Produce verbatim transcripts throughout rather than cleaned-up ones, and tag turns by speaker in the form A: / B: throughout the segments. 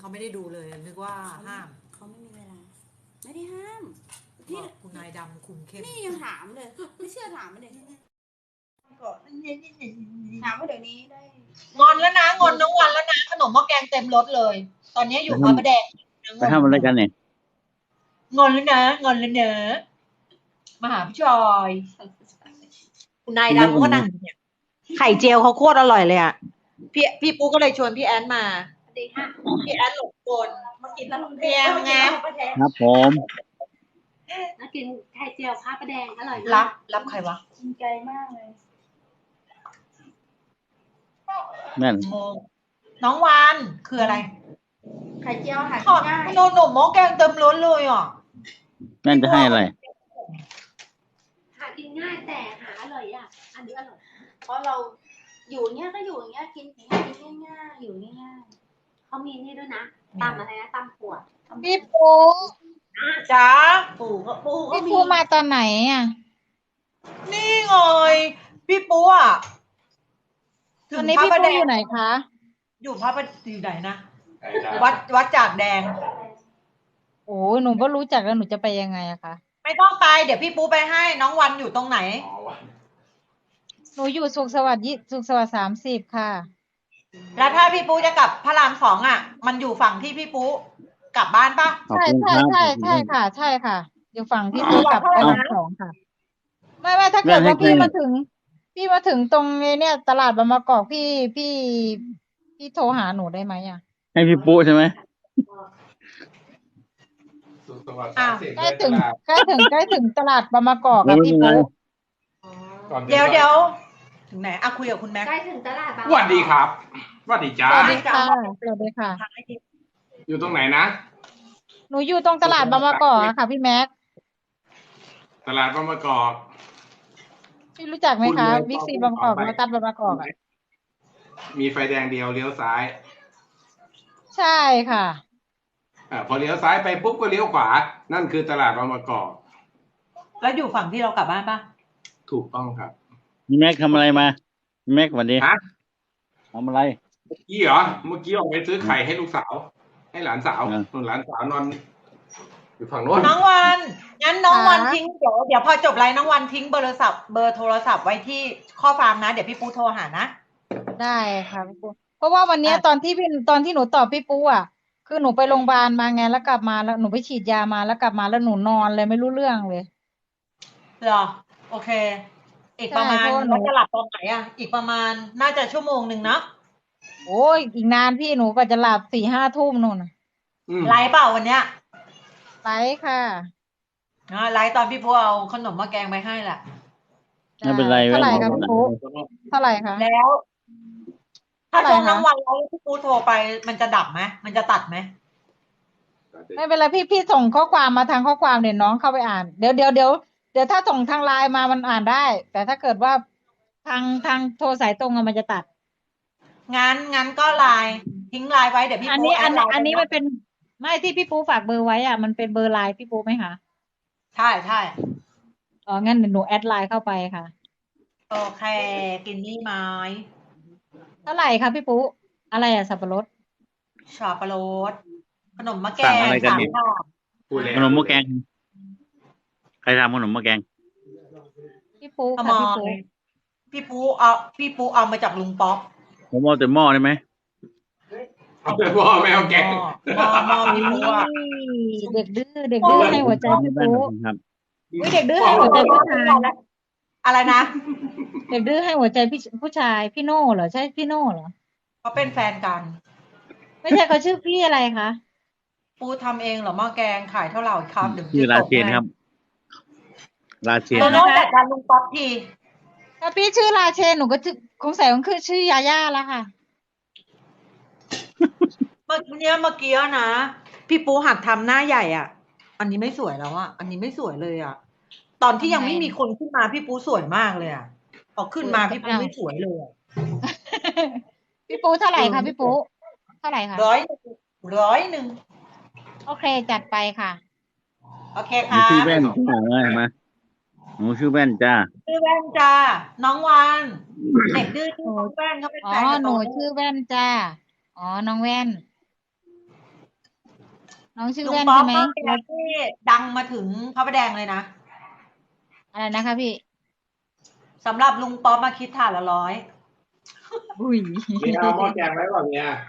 A: เขาไม่ได้ดูเลยนึกว่าห้าม
B: เขาไม่มีเวลาไม่ได้ห้าม
A: นี่คุณนายดำคุมเข้ม
B: นี่ยังถามเลยไม่เชื่อถามมาเลยก่อนถามว่าเดี๋ยวนี้ได้
A: งอนแล้วนะงอนน้องวันแล้วนะขนมหม้อแกงเต็มรถเลย ตอนนี้อยู่พระประแดง
C: ไปทำอะไรกันเนี่ย
A: งอนแล้วนะงอนแล้วเนอะมาหาพี่จอยคุณนายดำเขาก็นั่งอยู่เนี่ยไข่เจียวเขาโคตรอร่อยเลยอ่ะพี่พี่ปูก็เลยชวนพี่แอนมา
B: ดีฮะ
A: พี่แอนหลงกลมากินแล้วเพียงไง
C: ครับผม
D: มากินไข่เจียวข้าวปลาแดงอร่อย
A: รับรับใครวะ
B: จริงใจมากเลย
C: นั่น
A: น้องวานคืออะไร
B: ไข่เจียวหา
A: ทอดโนหนุ่มหม้อแกงเต็มล้นเลยอ่ะ
C: นั่นจะให้อะไร
D: หากินง่ายแต่หาอร่อยยากอันนี้อร่อย
B: เพราะเราอยู่เนี้ยก็อยู่อย่างเงี้ยกินกินง่ายๆอยู่ง่าย
D: ๆเขามีนี่ด้วยนะตำอะไรนะตำขวด
E: พี่ปู
A: จ้า
B: ปู่ก็ปู่ก็
E: พี่
B: มี
E: ปูมาตอนไหนอ่ะ
A: นี่ไงพี่ปูอ่ะ
E: ตอนนี้พี่ปูอยู่ไหนคะ
A: อยู่พระประอยู่ไหนนะวัดวัดจากแดง
E: โอ้หนูก็รู้จักแล้วหนูจะไปยังไงอะคะ
A: ไม่ต้องไปเดี๋ยวพี่ปูไปให้น้องวันอยู่ตรงไหน
E: หนูอยู่สุขสวัสดิ์ยี่สุขสวัสดิ์สามสิบค่ะ
A: แล้วถ้าพี่ปูจะกลับพระรามสองอ่ะมันอยู่ฝั่งที่พี่ปูกลับบ้านปะ
E: ใช่ใช่ใช่ใช่ค่ะใช่ค่ะอยู่ฝั่งที่ปูกลับพระรามสองค่ะไม่ไม่ถ้าเกิดว่าพี่มาถึงพี่มาถึงตรงเนี่ยตลาดบางมะกอกพี่พี่พี่โทรหาหนูได้ไหมอ่ะ
C: ให้พี่ปูใช่ไหม
E: ใกล้ถึงใกล้ถึงใกล้ถึงตลาดบางมะกอกอะพี่ปู
A: เดี๋ยวเดี๋ยวถึงไหนอ่ะคุยกับคุณแม็ก
D: ใกล้ถึงตลาดบาง
F: สวัสดีครับสวัสดีจ้า
E: สวัสดีค่ะสวัสดีค่ะ
F: อยู่ตรงไหนนะ
E: หนูอยู่ตรงตลาดบางมะกอกค่ะพี่แม็ก
F: ตลาดบางมะกอก
E: พี่รู้จักไหมคะบิ๊กซีบางมะกอกมาตัดบางมะกอกอะ
F: มีไฟแดงเดียวเลี้ยวซ้าย
E: ใช่ค่ะ
F: อ่าพอเลี้ยวซ้ายไปปุ๊บก็เลี้ยวขวานั่นคือตลาดบางมะกอก
A: แล้วอยู่ฝั่งที่เรากลับบ้านปะ
F: ถูกต้องครับ
C: พี่แม็กทำอะไรมาพี่แม็กวันนี้
F: ฮะ
C: ทำอะไร
F: เมื่อกี้เหรอเมื่อกี้ออกไปซื้อไข่ให้ลูกสาวให้หลานสาวส่วนหลานสาวนอนอยู่ฝั่งโน้น
A: น้องวันงั้นน้องวันทิ้งเดี๋ยวเดี๋ยวพอจบไลน์น้องวันทิ้งเบอร์โทรศัพท์เบอร์โทรศัพท์ไว้ที่ข้อความนะเดี๋ยวพี่ปูโทรหานะ
E: ได้ค่ะพี่ปูเพราะว่าวันนี้ตอนที่พี่ตอนที่หนูตอบพี่ปูอ่ะคือหนูไปโรงพยาบาลมาไงแล้วกลับมาแล้วหนูไปฉีดยามาแล้วกลับมาแล้วหนูนอนเลยไม่รู้เรื่องเลย
A: เหรอโอเคอีกประมาณว่าจะหลับตอนไหนอ่ะอีกประมาณน่าจะชั่วโมงหนึ่งนะ
E: โอ้ยอีกนานพี่หนูก็จะหลับสี่ห้าทุ่มนู่น
A: ไลฟ์เปล่าวันเนี้ย
E: ไลฟ์ค่ะ
A: ไลฟ์ตอนพี่ปูเอาขนมมาแกงไปให้แหละ
C: ไม่เป็นไร
E: เท่าไหร่ครับพี่ปูเท่าไหร่คะ
A: แล้วถ้าช่วงน้ำวันแล้วพี่ปูโทรไปมันจะดับไหมมันจะตัดไหม
E: ไม่เป็นไรพี่พี่ส่งข้อความมาทางข้อความเดี๋ยวน้องเข้าไปอ่านเดี๋ยวเดี๋ยวเดี๋ยวเดี๋ยวถ้าส่งทางไลน์มามันอ่านได้แต่ถ้าเกิดว่าทางทางโทรสายตรงมันจะตัด
A: งั้นงั้นก็ไลน์ทิ้งไลน์ไว้เดี๋ยวพี่ปู
E: อันนี้อันอันนี้มันเป็นไม่ที่พี่ปูฝากเบอร์ไว้อ่ะมันเป็นเบอร์ไลน์พี่ปูไหมคะ
A: ใช่ใช่
E: อ๋องั้นเดี๋ยวหนูแอดไลน์เข้าไปค่ะ
A: โอเคกินนี่ไหม
E: เท่าไหร่คะพี่ปูอะไรอ่ะสับปะรด
A: สับปะรดขนมมะแกงสามค่ะ
C: ขนมมะแกงใครทำขนมมะแกง
E: พี่ปูค่ะพี่ปู
A: พี่ปูเอาพี่ปูเอามาจากลุงป๊อก
C: ผมเอาแต่หม้อได้ไหม
F: เอาแต่หม้อไม่เอาแกง
A: หม้อหม้อพี่ปูอ่ะ
E: เด็กดื้อเด็กดื้อให้หัวใจพี่ปูอุ้ยเด็กดื้อให้หัวใจผู้ชาย
A: อะไรนะ
E: เด็กดื้อให้หัวใจพี่ผู้ชายพี่โน่เหรอใช่พี่โน่เหรอ
A: เขาเป็นแฟนกัน
E: ไม่ใช่เขาชื่อพี่อะไรคะ
A: ปูทำเองเหรอหม้อแกงขายเท่าไหร่ครับเดี๋ยว
C: ชื่อราเชนครับราเชน
A: โน่จัดการลุงป๊อกที
E: ถ้าพี่ชื่อราเชนหนูก็คงใส่ของคือชื่อยาย่าแล้วค่ะ
A: เมื่อกี้เมื่อกี้นะพี่ปูหัดทำหน้าใหญ่อ่ะอันนี้ไม่สวยแล้วอ่ะอันนี้ไม่สวยเลยอ่ะตอนที่ยังไม่มีคนขึ้นมาพี่ปูสวยมากเลยอ่ะพอขึ้นมาพี่ปูไม่สวยเลย
E: พี่ปูเท่าไหร่คะพี่ปูเท่าไหร่คะ
A: ร้อยร้อยหนึ่ง
E: โอเคจัดไปค่ะ
A: โอเคค่ะ
C: ชื่อแว่นจ้าอะไรมาหนูชื่อแว่นจ้า
A: ชื่อแว่นจ้าน้องวานเด็กดื้อชื่อแว่นเขาเป็นแฟน
E: อ๋อหนูชื่อแว่นจ้าอ๋อน้องแว่นน้องชื่อ
A: ลุง
E: แว่น
A: ป๊อ
E: ใช่
A: ป
E: ไหม
A: ก็เป็นอะไรที่ดังมาถึงพระประแดงเลยนะ
E: อะไรนะคะพี่
A: สำหรับลุงป๊อปมาคิดถ่านละร้อย
E: อุ้ย
F: เมียเอาหม้อแกงไว้ก่อนเมีย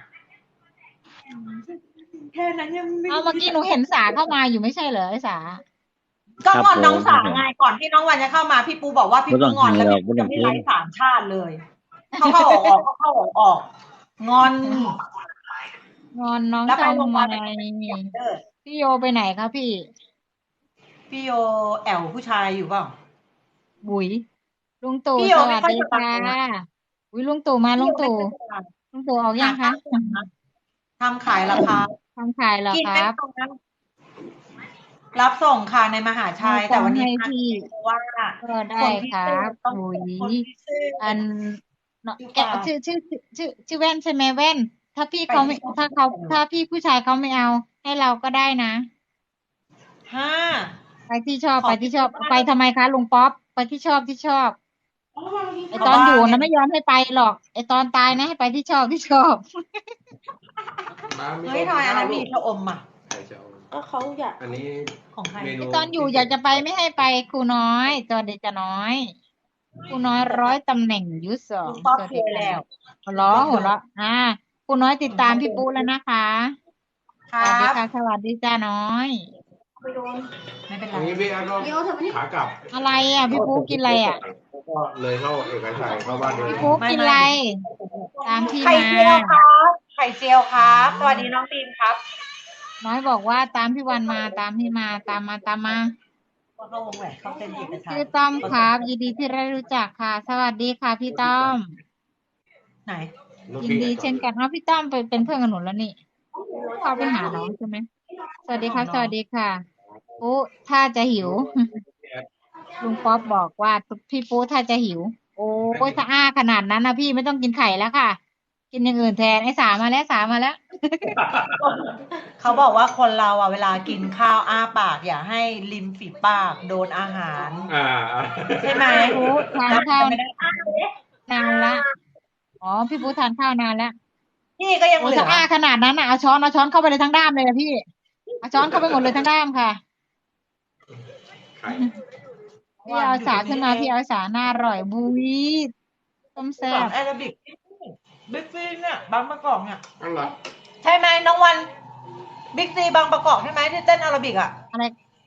A: แค่นั้นยังไม่
E: เอาเมื่อกี้หนูเห็นสาเข้ามาอยู่ไม่ใช่เหรอไอ้สา
A: ก็
C: ครับ
A: งอนน้อง
C: ผม
A: สาไงก่อนที่น้องวันจะเข้ามาพี่ปูบอกว่าพี่
C: ไม่
A: ปู
C: ต้อง
A: งอนแล้ว
C: ไม่ต้อง
A: จะไม่
C: ไม่ต้อง
A: ไร้สามชาติเลย เข้าเข้าออกออกเข้าเข้าออกออกงอน
E: งอนน้อง
A: แล้วไปโร
E: ทำ
A: งพ
E: ไม
A: ยาบาลเออ
E: พี่โยไปไหนคะพี่
A: พี่โยแอวผู้ชายอยู่เปล่า
E: บุ๋ยลุงตู่
A: พี่โย
E: ส
A: ไม่
E: วัส
A: ค่อย
E: ดี
A: สบา
E: ค่ะ
A: ยนะ
E: อุ้ยลุงตู่มาลุงตู่
A: พี่โยไม่ค่อยสบาย
E: ลุงตู่ออกยังคะ
A: ทำขายราคา
E: ทำขายเหรอ
A: กิน
E: ค
A: ไม่
E: รับ
A: ตรงนั้นรับส่งค่ะในมหาชัย
E: มี
A: แต่วันนี้
E: ของให้พี่
A: เพราะว่า
E: ก็ได้
A: คนที่
E: ครั
A: ซื้อบ ต้อง
E: บุ๋ย
A: คนที่ซื้อ
E: อันเนาะ
A: ชื่อ
E: แกะ
A: ปลา
E: ชื่อชื่อชื่อชื่อชื่อแว่นใช่ไหมแว่น ถ้าพี่เขาไม่
A: ไปที่
E: ถ้าเขา
A: ช่อง
E: ถ้าพี่ผู้ชายเขาไม่เอา ให้เราก็ได้นะ
A: ห้า
E: ไปที่ชอบ
A: ขอ
E: ไปที่ชอบ
A: ที่บ้าน
E: ไปทำไมคะลุงป๊อปไปที่ชอบที่ชอบ ไอ
A: เอา
E: ตอน
A: บ้าน
E: อยู่
A: ไง
E: นะไม่ยอมให้ไปหรอก ไอตอนตายนะให้ไปที่ชอบที่ชอบ
F: มามี
A: เฮ้ย
F: ค
A: ทำไมอันนั้น
F: กิ
A: มี
F: ข้าว
A: ชะอมอ่ะ
F: ใครจะเอา
B: ก็เขาอยาก
F: อันนี้
A: ของใคร
F: เมนู
E: ไอตอนอยู่อยากจะไปไม่ให้ไปครูน้อยตอนเด็กจะน้อยครูน้อยร้อยตำแหน่งยุทธสอ
A: ลุ
E: ง
A: งป๊อป
E: สวัส
A: เค
E: ดี
A: ย
E: ค่ะ
A: แล้ว
E: หัวเราะหัวเราะอ่าครูน้อยติดตามพี่ปูแล้วนะคะ
A: ค
E: ส
A: รั
E: วัสดี
A: บ
E: ค่ะสวัสดีจ้าน้อย
B: ไปโดน
A: ไม่เป็นไร
F: อันนี้พี่อันก็
B: เดี๋ยวเถอะมานี่
F: ขากลับ
E: อะไรอ่ะพี่ปูกินอะไรอ่ะ
F: แล้วก็เลยเข้าเอกชัยเข้าบ้านเดิ
E: พี่
F: ม
E: ปูกินอะไร ตามที่
A: ไข่
E: มา
A: เจียวครับ ไข่เจียวครับ สวัสดีน้องบีมครับ
E: น้อยบอกว่าตามพี่วันมาตามพี่มาตามมาตามมา
A: ว่าเข้าวงแหวนเข้าเส้นเอกชัย
E: ชื่อต้อมครับยินดีที่ได้รู้จักค่ะ สวัสดีค่ะพี่ต้อม
A: ไหน
E: ยินดีเช่นกันว่าพี่ต้อมเป็นเป็นเพื่อนกับหนูแล้วนี่เข้าไปหาน้องใช่ไหมสวัสดีครับ สวัสดีค่ะปุ๊ถ้าจะหิว ลุงป๊อปบอกว่าพี่ปุ๊ถ้าจะหิว โอ้ยถ้าอ้าขนาดนั้นนะพี่ไม่ต้องกินไข่แล้วค่ะ กินอย่างอื่นแทนไอ้สามาแล้วสามาแล้ว
A: เขาบอกว่าคนเราอ่ะเวลากินข้าวอ้าปาก อย่าให้ริมฝีปากโดนอาหาร
F: อ่า
A: ใช่ไหม
E: พี่ปุ๊ทานข้าว
A: ไม่ได้อ้าเลย
E: นานละอ๋อพี่ปุ๊ทานข้าวนานแล้ว
A: พี่ก็ยัง
E: โอ้
A: เหลื
E: ถ้า
A: อ
E: อ้าขนาดนั้นนะเอาช้อนเอาช้อนเข้าไปเลยทั้งด้ามเลยนะพี่เอาช้อนเข้าไปหมดเลยทั้งด้ามค่ะ
F: ไข่
E: พี่เอาสาขึ้นมาพี่เอาสาหน้าอร่อยบุ้ยต้มแซ่
A: สอบ นแอโรบิกบิ๊กซีเนี่ยบางประกอบเนี่ย
F: อันเหรอ
A: ใช่ไหมน้องวันบิ๊กซีบางประกอบใช่ไหมที่เต้นแอโรบิกอ่ะ
E: อะไร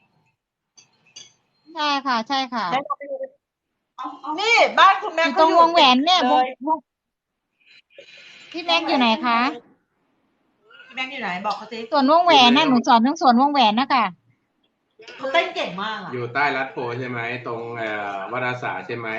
E: ใช่ค่ะ ใช่ค่ะ
A: ได้ลองไปดูนี่บ้านคุณแม่
E: อยู่ตรงวงแหวนเนี่ยวง
A: เลย
E: วงพี่แม็กอยู่ไหนคะ
A: พี่แม็กอยู่ไหนบอกเขาสิ
E: ส่วนวงแหวนนะหนูสอนทั้งส่วนวงแหวนนะคะ
A: เขาเต้นเก่งมากอ่ะ
F: อยู่ใต้รัดโพใช่ไหมตรงเอ่อวัดอาสาใช่ไหม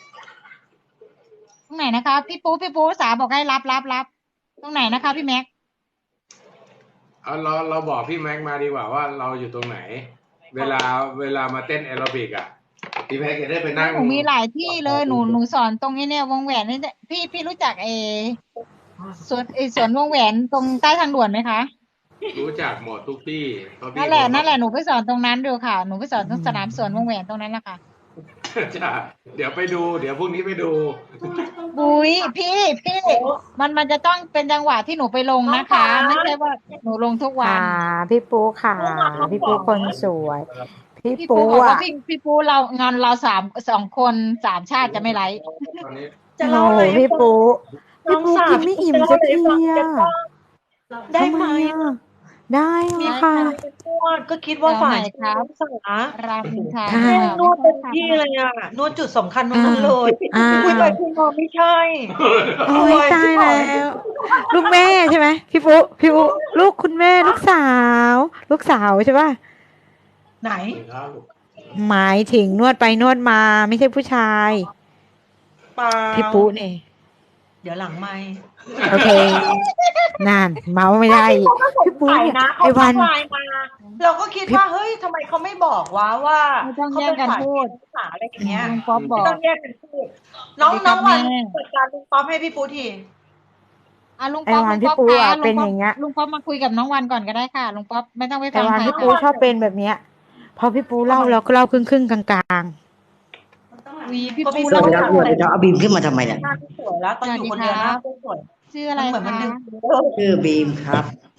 E: ตรงไหนนะคะ พี่ปูพี่ปูสาบอกให้รับรับรับตรงไหนนะคะ พี่แม็ก
F: เอาเราเราบอกพี่แม็กมาดีกว่าว่าเราอยู่ตรงไหน เวลาเวลามาเต้นแอโรบิกอ่ะพี่แม็กจะได้ไปนั่ง
E: หนูมีหลายที่เลยหนูหนูสอนตรงนี้เนี่ยวงแหวนนี่พี่พี่รู้จักเอสวนเอสวนวงแหวนตรงใต้ทางด่วนไหมคะ
F: รู้จักหมดทุกที่เพราะพี่
E: นั่นแหละนั่นแหละหนูไปสอนตรงนั้นดูค่ะหนูไปสอนตรงสนามสวนวงแหวนตรงนั้นแหละค่ะ
F: จ้ะเดี๋ยวไปดู เดี๋ยวพรุ่งนี้ไปดู
E: บุ้ยพี่พี่มันมันจะต้องเป็นจังหวะที่หนูไปลงนะคะ ไม่ใช่ว่าหนูลงทุกวัน
G: ค่ะพี่ปูค่ะ พี่ปูคนสวย พี่
E: พี่
G: ปู
E: ปูบอกว่า
G: อ่ะ
E: พี่พี่ปูเรางานเราสามสองคนสามชาติจะไม่ไลฟ์
F: ตอนนี้
A: จะ
G: โอ้
A: เล่า
G: โห
A: อะไรให้
G: พี่
A: ฟัง
G: ปู
A: น้
G: พี่
A: อง
G: ปู
A: สาว
G: กินไม่อิ่มสักทีอ่ะ
A: ได้ไหม
G: ทำอ่ะได้ค่ะ
A: นวดก็คิดว่าฝ่าย
E: เดี๋ยวไหนครับ
A: สาร
E: รามอินทรา
G: ค่ะ
A: แม่นวดเต็มที่เลยอ่ะนวดจุดสำคัญตรงนั้นเลย
G: อ่า
A: คุยไปคุยมาไม่ใช่
G: โอ้ยตายแล้ว ลูกแม่ใช่ไหมพี่ปูพี่ปูลูกคุณแม่ลูกสาว ลูกสาวใช่ป่ะ
A: ไหน
G: หมายถึงนวดไปนวดมาไม่ใช่ผู้ชาย
A: เปล่า
G: พี่ปูนี่
A: เดี๋ยวหลังไม่
G: โอเค นั่นเมาไม่ได้อีกพี่ปู
A: ถ่าย
G: เนี่ย
A: นะ
G: ไอ้
A: เขา
G: วัน
A: ทักไลน์มา เราก็คิดว่าเฮ้ยทำไมเขาไม่บอกวะว่า
E: ไม่ต้อง
A: เขา
E: แย่ง
A: เป็น
E: กัน
A: ฝ่าย
E: พูด
A: สาอะไรอย่างเงี้ย
E: ลุงป๊อปบ
A: ไม่
E: อก
A: ต้องแยกกันพูดน้อง
E: สวัสดีครั
A: น้อบ งวัน
E: แม่
A: จัดการลุงป๊อปให้พี่ปูที
E: อ่ะลุงป๊อป
G: ไอ้วั
E: ลุ
G: น
E: งป๊อป
G: พี่ปู
E: ค่ะ
G: อ่ะ
E: ลุ
G: เป็น
E: งป๊อ
G: อ
E: ป
G: ย่างเงี้ย
E: ลุงป๊อปมาคุยกับน้องวันก่อนก็ได้ค่ะลุงป๊อปไม่ต้องไป
G: แต่
E: ฟัง
G: วัน
E: ใคร
G: พี่ปู
E: ค่ะ
G: ชอบเป็นแบบเนี้ย พอพี่ปูเล่าเราก็เล่าครึ่งครึ่งๆกลาง
E: วีพี่
A: ก็
E: ปู
A: พี่
H: ส
E: เรา
H: วัสดีครับสวัสดีครับเอาบีมขึ้นมาทำไมเนี่ย
A: หน้าไม่สวยแล้วตอนอยู่คนเดียวหน้าไม่สวย
E: ชื่ออะไร
A: มันเหมือนมัน
E: คะ
A: ดึง
H: ชื่อบีมครับ
A: พ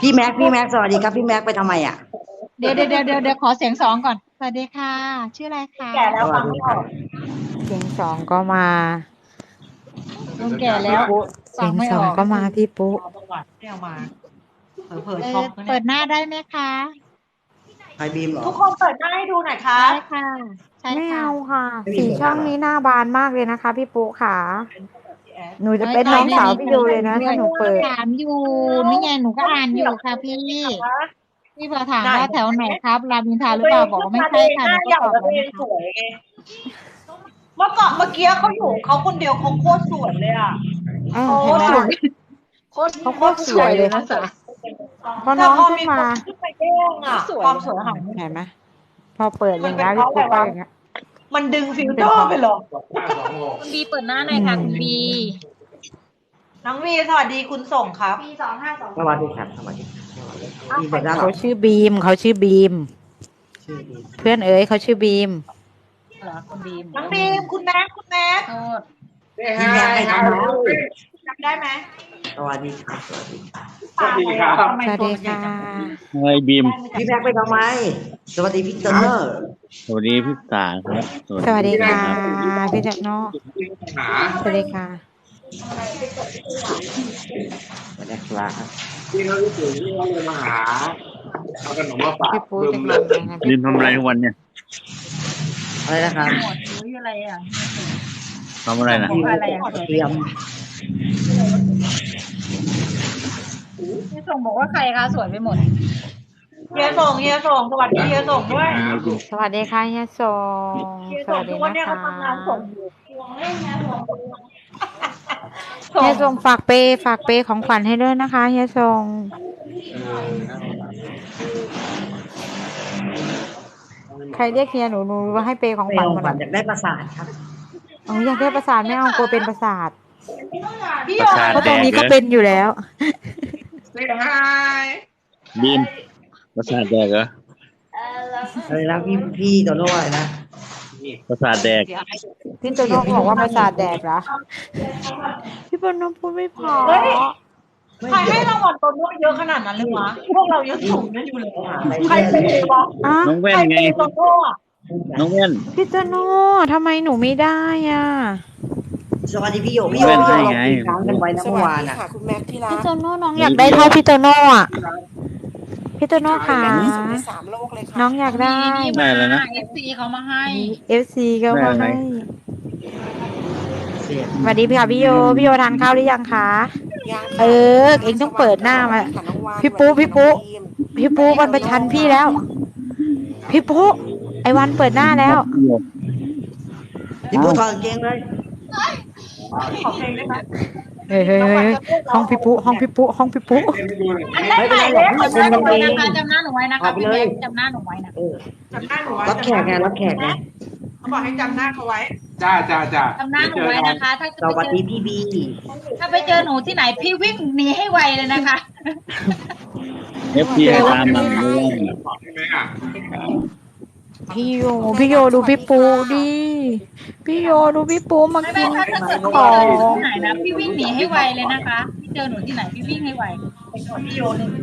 H: พี่แม็กพี่แม็กสวัสดีครับพี่แม็กไปทำไมอ่ะ
E: เดี๋ยวเดี๋ยวเดี๋ยวเดี๋ยวเดี๋ยวขอเสียงสองก่อนสวัสดีค่ะ ชื่ออะไรคะ
A: แก่แล้วฟังไม่ออก
G: เสียงสองก็มา
E: ลุงแก่แล้ว
G: เสียงสองก็มาพี่ปุ๊
A: เอาประวัติไม่เอามาเผลอ
E: เอ
A: ๆช็อ
E: อก
A: นะ
E: เปิ
A: เนี่ย
E: ดหน้าได้ไหมคะ
H: ใครบีมเหรอ
A: ทุกคนเปิดหน้าให้ดูหน่อยค่ะ
E: ใช่ค่ะ ใช่
G: ไม่
E: ค่ะ
G: เอาค่ะ
H: ไม่มี
G: สี
H: ผลงาน
G: ช่องนี้หน้าบานมากเลยนะคะ พี่ปุ๊ค่ะ
A: พี่แอด
G: หนูจะเป็นน้องสาวพี่โยเลยนะถ้าหนูเปิด
E: ถามอยู่นี่ไงหนูก็อ่านอยู่ค่ะพี่ พี่พอถามว่าแถวไหนครับรามอินทราหรือเปล่าบอกว่าไม่ใช่ค่ะ
A: ห
E: หนู
A: น้า
E: ก็
A: ใหญ่
E: ตอบ
A: แล้ว
E: แล้ว
A: ตัวเอง
E: นะคะ
A: สวยไงเมื่อก่อนเมื่อกี้เขาอยู่เขาคนเดียวเขาโคตรสวยเลยอ่ะ
G: อ้าว
A: โค
G: เห็น
A: ตร
G: ไหม
A: สว
G: ล่ะ
A: ยโคตร
G: เขาโคตรสวยเลยนะ พอน้
A: แต่
G: อง
A: พอ
G: ขึ้น
A: มี
G: มา
A: คนขึ้นไปแย่งอ่ะความสวยหายไป
G: เห็นไหมพอเปิดอย่างนี้ยพี่ปุ๊ก็อย่างเงี้ย
A: มันดึงฟิลเตอร์ไปหรอ
F: ห้าสองหก
E: คุณบีเปิดหน้าหน่อยค่ะคุณบี
A: น้องวีสวัสดีคุณส่งครับ
D: ปีสองห้าสอง
H: สวัสดีครับสวัสดีพี่เปิดหน้าเหรอ
G: เขาชื่อบีมเขาชื่อบีม
H: ชื่อบีม
G: เพื่อนเอ๋ยเขาชื่อบีม
E: เหรอคุณบี
A: น้องบีมคุณแม็กคุณแม็ก
E: โทษ
H: พี่แม็กไปทำไม
A: จำได้ไหม
H: สวัสดีครับสวัสดี
F: สวัสดีครับ
A: ทำไม
G: สวัส
A: ตัว
G: ดี
A: มันใหญ่
G: ค่ะ
A: จัง
C: ไอ้บีม
H: พี่แม็กไปทำไม สวัสดีพี่เตอร์
C: สวัสดีพี่สาครับ
G: สวัสดีค่ะพี่เจ้าโน
F: หา
G: สวัสดีค่ะ
H: สวัสดีครับ
F: ที่เขารู้สึกที่เขาเลยมาหาเอาขนมมาฝาก
G: พี่ปุ๊
F: บึ
G: จะ
F: ม
G: กิน
F: เลย
G: อะไรนะ
C: ดินทำอะไรทุกวันเนี่ย
H: อะไรนะครับ
E: หมดหรืออะไรอ่ะ
C: ทำอะไรนะ
H: พี่เตรียม
E: พี่ส่งบอกว่าใครคะสวยไปหมด
A: เฮียส่งเฮียส่งสวัสดีเฮียส่งด้วย
G: สวัสดีค่ะเฮียสง
A: เฮีย
G: ส
A: ส่ง
G: วัส
A: ทุ
G: ดี
A: กวัน
G: นะ
A: เนี้ย
G: คะ
A: เขาทำงานส่งอยู่
G: เฮียสงฝากเปย์ฝากเปย์ของขวัญให้ด้วยนะคะเฮียสงใครเรียกเฮียหนูหนูว่าให้เปย์ของ
H: ไป
G: ขวัญ
H: โรง
G: มา
H: พยาบาลอยากได้ประสาทครับ
G: อ๋ออยากได้ประสาทไม่เอากลัวเป็นประสาท
A: พี่
C: ประ
A: โย
C: สาท
G: เพราะ
C: แด
G: ตรง
C: ก
G: นี้
C: เหร
G: ก็
C: อ
G: เป็นอยู่แล้ว
C: บีมประสาทแดกเหรอ
H: อะไรนะพี่พี่โตโน่อะไรนะ
C: ประสาทแดก
G: พี่โตโน่บอกว่าประสาทแดกเหรอพี่โตโน่พูดไม่พอ
A: เฮ้ยใครให้รางวัลโตโน่เยอะขนาดนั้นเลยวะพวกเรายังสูงนั่นอยู่เลยอะใครเป็นวะ
G: อ่ะ
C: น้องแว่
A: ใคร
C: นไง
A: เป็นโตโน่อะ
C: น้องแว่น
G: พี่โตโน่ทำไมหนูไม่ได้อ่ะ
H: สวัสดีพี่โยพี่โยพี่โยเราคุยค้างกันไว้นะเมื่อวานอ่ะ
G: พี่โตโน่น้องอยากได้เท่าพี่โตโน่อ่ะพี่โตโน่ค่ะน้องอยากได้
C: ได้แล้วนะ
E: เอฟซีเขามาให้
G: เอฟซีก็มา
C: ได้อะไร
G: ให้
H: เสียง
G: สวัสดีพี่ค่ะพี่โยพี่โยทานข้าวหรือยังคะเออเองต้องเปิดหน้ามาพี่ปุ๊พี่ปุ๊พี่ปุ๊วันประชันพี่แล้ว พี่ปุ๊ไอวันเปิดหน้าแล้ว
H: พี่ปูถอดกางเกงเลย
A: ขอเพลงได้ไหม
G: เฮ้ยเฮ้ยเฮ้ยห้องพี่ปุ๊ห้องพี่ปุ๊ห้องพี่ปุ๊
H: ไม่เป็นไรหรอกพี่
E: จำห
H: ปู
E: น้าห
H: กา
E: นู
H: งเกง
E: ไว้นะคะจำหน้าหนูไว้นะคะพี่แม็กซ์จำหน้าหนูไว้นะ
H: เออ
A: จำหน้าหนูไว้
H: รับแขกไงรับแขกไง
A: เขาบอกให้จำหน้าเขาไว้
F: จ้าจ้าจ้า
E: จำหน้าหนูไว้นะคะ ถ้า
H: สวัส
E: ไปเจ
H: ดี
E: อ
H: พี่บี
E: ถ้าไปเจอหนูที่ไหนพี่วิ่งหนีให้ไวเลยนะคะ
C: เอฟซีให้ตามมาด้วย
F: ใช่ไหมอ่ะ
G: พี่โยพี่โยดูพี่ปุ๊ดิพี่โยดูพี่ปุ๊มา
E: ไม่
G: กิ
E: ไม่
G: น
E: ถ้าถ้าเกิด
G: ข
E: พี่
G: อ
E: เจอหนู
G: ง
E: ที่ไหนนะพี่วิ่งหนีให้ไวเลยนะคะพี่เจอหนูที่ไหนพี่วิ่งให้ไว
A: เป็นคนที่โยนหนึ่ง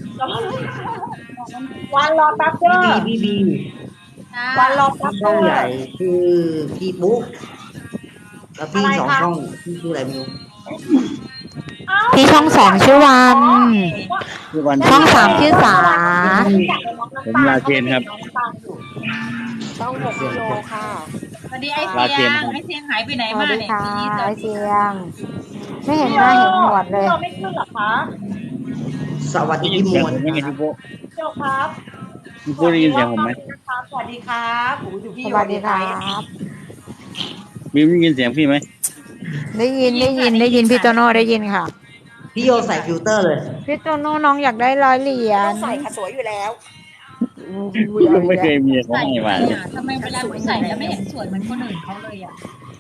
A: วันรอแป๊บเด้
H: พี่
A: อ
H: บีพี่บี
E: จ้า
A: วันรอแป๊บ
H: ช่
A: เด้
H: อง
A: อ
H: ใหญ่คือพี่ปุ๊กแล้วพี่
A: อะไร
H: สอง
A: คะ
H: ช่องพี่ชื่ออะไรไม่รู้
G: พี่ช่องสองชื่อวัน
C: ทุกวัน
G: ช่องสามชื่อสา
C: ผมลาเชนครับ
A: ช่องหกกิโลค่ะ
E: สวัสดีไอ
C: ลา
E: เสี
C: เที
E: ย
C: ยน
E: งไอเสียงหายไปไหน
G: สวั
E: มา
G: สดี
E: เนี่ย
G: ค่ะ
E: พี่ส
G: ไอ
E: วัสดี
G: เสียง ไม่เห็นหน้าเห็นหนวดเลย
A: เราไม่ขึ้นหรอคะ
H: สวัสดี
C: ได้ยิน
H: พี่ม
C: เสียง
H: ว
C: ผ
H: ล
C: มไหมไงพี่ปุ๊
A: เจ้าครับ
C: พี่ปุ๊ได้ยินเสียงผมไหม
A: สวัสดีครับโอ้โหอยู่พี่
G: ส
A: โย
G: วัสดีค
A: ไท
G: รั
A: ย
G: บ
C: บีมได้ยินเสียงพี่ไหม
G: ได้ยินได้ยินได้ยินพี่โตโน่ได้ยินค่ะ
H: พี่โยใส่ฟิลเตอร์เลย
G: พี่โตโน่น้องอยากได้ร้อยเหรียญ
A: ใส่ค่ะสวยอยู่แล้ว
C: ไม่เคยมีเขา
E: ใส่
C: ให้
E: ไป
C: มา
E: อ่ะทำไมเวลาพี่ใส่แล้วไม่เห็นสวยเหมือนคนอื่นเขาเลยอ่ะ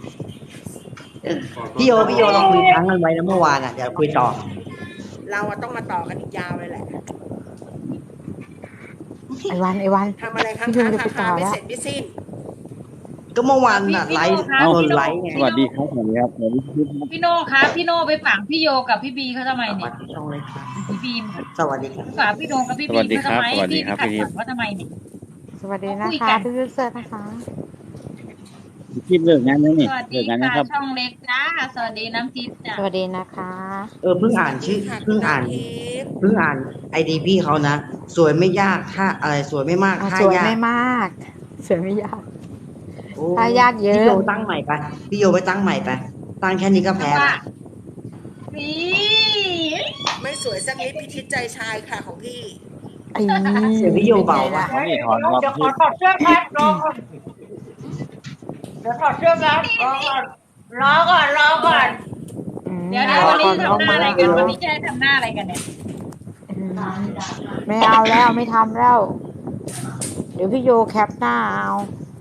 H: พี่โยพี่โยเราคุยค้างกันไว้นะเมื่อวานอ่ะเดี๋ยวคุยต่อ
B: เราอะต้องมาต่อกันอีกยาวเลยแหละ
G: ไอวันไอวัน
B: ทำอะไรค้าง
G: พี่โย
B: ค้าง
G: จะไปต่
B: ค้า
G: อง
B: ไม่
G: แล้ว
B: เสร็จไม่สิ้น
H: ก็เมื่อวานน่ะไลฟ์
I: เอ้า
H: โดนไลฟ์ไง
C: สวัสดีครับสวัสดีครับสวัสดีครับ
I: พี่โน่คะพี่โน่ไปฝังพี่โยกับพี่บีเขาทำไม
H: ส
I: เนี่
H: วั
I: ย
H: สดีช่องเลยครับ
I: พี่บีมค่ะ
H: สวัสดีครับ
I: ฝากพี่โน่กับพี่
C: ส
I: บี
C: วัสดี
I: เขา
C: ครั
I: ทำ
C: บ
I: ไม
C: สวัสดี
I: พี่
C: ครับ
I: ขัด
C: พี่
I: ขวางเขาทำไมเนี่ย
G: สวัสดีนะ
I: คุย
G: คะ
I: กัน
G: พี่ยูเซอร์นะคะ
C: พี่เลิกงานแล้วนี่
I: สวัสดี
C: เลิกงานนะ
I: ค่ะ
C: ครับ
I: ช่องเล็กจ้าสวัสดีน้ำทิพย์จ้า
G: สวัสดีนะคะ
H: เออเพิ่งอ่านชื่อเพิ่งอ่านเพิ่งอ่านไอดีพี่เขานะสวยไม่ยากถ้าอะไรสวยไม่มาก
G: อ่ะ
H: ถ้า
G: สวย
H: ยาก
G: ไม่มาก สวยไม่ยาก
H: โอ้
G: ถ้ายากเยอะ
H: พี่โยตั้งใหม่ไปพี่โยไปตั้งใหม่ไปตั้งแค่นี้ก็แพ้
I: ว่า
H: ละ
I: นี่
B: ไม่สวยสักนิดพิชิตใจชายค่ะของพี่
G: ไอ้
H: เสียงพี่โยเบา
G: ป็นไง
H: ปะ
G: ล่ะ
C: นี่ถอนรอบ
A: เดี๋ยวข
C: พี่
A: อถอดเสื้อแป๊บรอก่อนเดี๋ยวถอดเสื้อแป๊บรอก่อนรอก่อนรอก่อน
G: อืม
I: เดี๋ยวเดี๋ยววันนี้ทำหน้าอะไรกันวันนี้จะให้ทำหน้าอะไรกันเนี่ย
G: อืมไม่เอาแล้วไม่ทำแล้ว เดี๋ยวพี่โยแคปหน้าเอา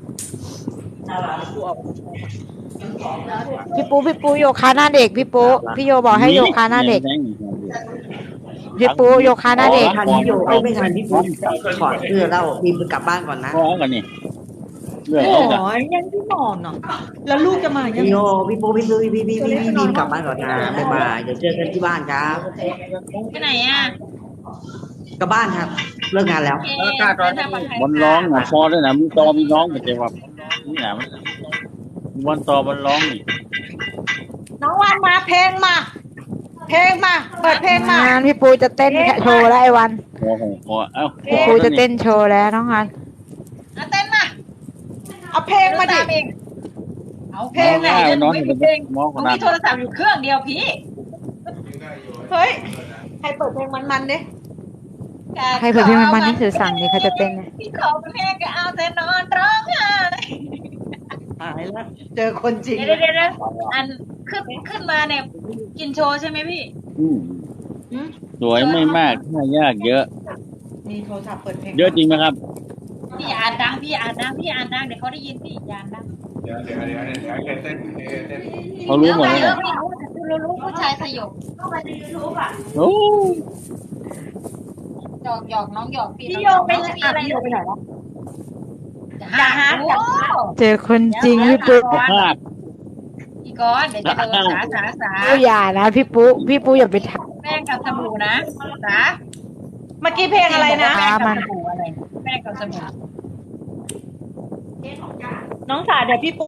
G: พี่ปูพี่ปูโยคะหน้าเด็กพี่ปูพี่โยบอกให้โยคะหน้าเด็กพี่ปูโยคะหน้าเด็ก
H: ทันพี่โยเอ้ยไม่ทันพี่ปุ๊ถอดเสื้อแล้วบีมไปกลับบ้านก่อนนะ
C: พอกันนี่เลิก
A: โอ้
C: แล้วจ้ะ
A: ยยังที่นอนเนาะแล้วลูกจะมายัง
H: พี่โยพี่ปุ๊พี่ซื้อพี่พี่พี่พี่บีมกลับบ้านก่อนนะบ๊ายบายเดี๋ยวเจอกันที่บ้านครับ
I: ไปไหนอ่ะ
H: กลับบ้านครับเลิกงานแล้ว
I: โอเคเดินทางปลอดภัย
C: บอลร้องอ่ะพอด้วยนะมีตอมีน้องไม่ใช่ว่านี่นะมันบอลตอบอลร้องนี่
A: น้องวันมาเพลงมา เพลงมา เปิดเพลงมา
G: งานพี่ปูจะเต้นโชว์แล้วไอ้วัน
C: พอพอเอ้า
G: พี่ปูจะเต้นโชว์แล้วน้องฮัน
I: เอาเต้นมา
A: เอาเพลงมาดิ
I: เองเอา
C: เพ
I: เพ
C: ล
I: ล
C: ง
I: งไหน
C: ง่าย
I: เดี๋ยวห
C: น้
I: นู
C: อง
I: ไม่
C: เป็
I: มี
C: น
I: เพลง
C: มอง
I: ห
C: ข
I: นู
C: นาด
I: มีโทรศัพท์อยู่เครื่องเดียวพี่
A: เฮ้ย ให้เปิดเพลงมันๆดิ
G: ใครเผื่อพี่มันมันนี่สื่อสั่งนี่เขาจะเต้นเนี่ย
I: พี่ขอเพลงก็เอาแต่นอนร้องไห้
A: หายแล้ว เจอคนจริง
I: เดี๋ยวเดี๋ยวเดี๋ยวอันขึ้นขึ้นมาเนี่ยกินโชว์ใช่ไหมพี่
C: อืมสวยไม่มากถ้ายากเยอะ
A: มีโทรศัพท์เปิดเพลง
C: เยอะจริงไหมครับ
I: พี่อ่านดังพี่อ่านดังพี่อ่านดังเดี๋ยวเขาได้ยินพี่อ่านดัง
F: เดี๋ยวเดี๋ยวเดี๋ยวเดี๋ยวเต้นเต้น
C: เขารู้หมดแล้ว
I: เย
C: เหร
I: อะ
C: อ
I: ไม่รู้แต่รู้รู้ผู้ชายสยบ
C: โอ้
I: หยอกหยอกน้องหยอกพี่
A: พี่โยไป
I: น้อง
A: ไหน
I: มีอะไร
A: พี่โยไปไหนวะ
I: อย่าหาอย่าหา
G: เจอคนจริงพี่ปู
C: ภาพ
I: พี่ก้อนเดี๋ยวจะโดนสาสาสา
G: ปูอย่านะพี่ปูพี่ปูอย่าไปท
I: แป้งกับสบู่นะสา
A: เมื่อกี้เพลงอะไรนะ
I: แป้งกับสบู่อะไรแป้งกับสบู่
A: น้องสาเดี๋ยวพี่ปู